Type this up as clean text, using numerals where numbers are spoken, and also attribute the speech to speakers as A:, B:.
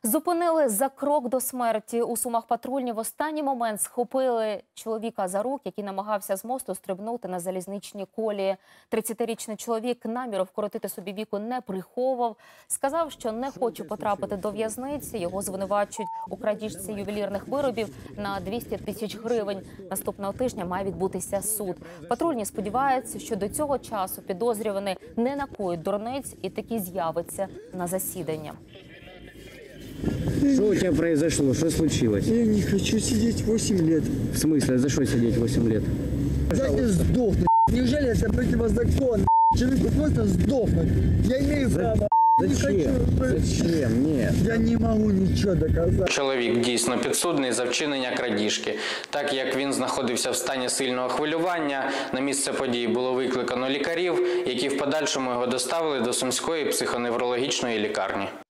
A: Зупинили за крок до смерті. У Сумах патрульні в останній момент схопили чоловіка за рук, який намагався з мосту стрибнути на залізничні колії. 30-річний чоловік наміру вкоротити собі віку не приховував. Сказав, що не хоче потрапити до в'язниці. Його звинувачують у крадіжці ювелірних виробів на 200 тисяч гривень. Наступного тижня має відбутися суд. Патрульні сподіваються, що до цього часу підозрюваний не накоїть дурниць і таки з'явиться на засідання.
B: Что у тебя произошло? Что случилось?
C: Я не хочу сидеть 8 лет.
B: В смысле? За что сидеть 8 лет?
C: Дайте сдохнуть. Неужели это противозаконно? Человеку просто сдохнуть. Я имею право.
B: Зачем? Зачем? Нет.
C: Я не могу ничего доказать.
D: Чоловік дійсно підсудний за вчинення крадіжки. Так як він знаходився в стані сильного хвилювання, на місце події було викликано лікарів, які в подальшому його доставили до Сумської психоневрологічної лікарні.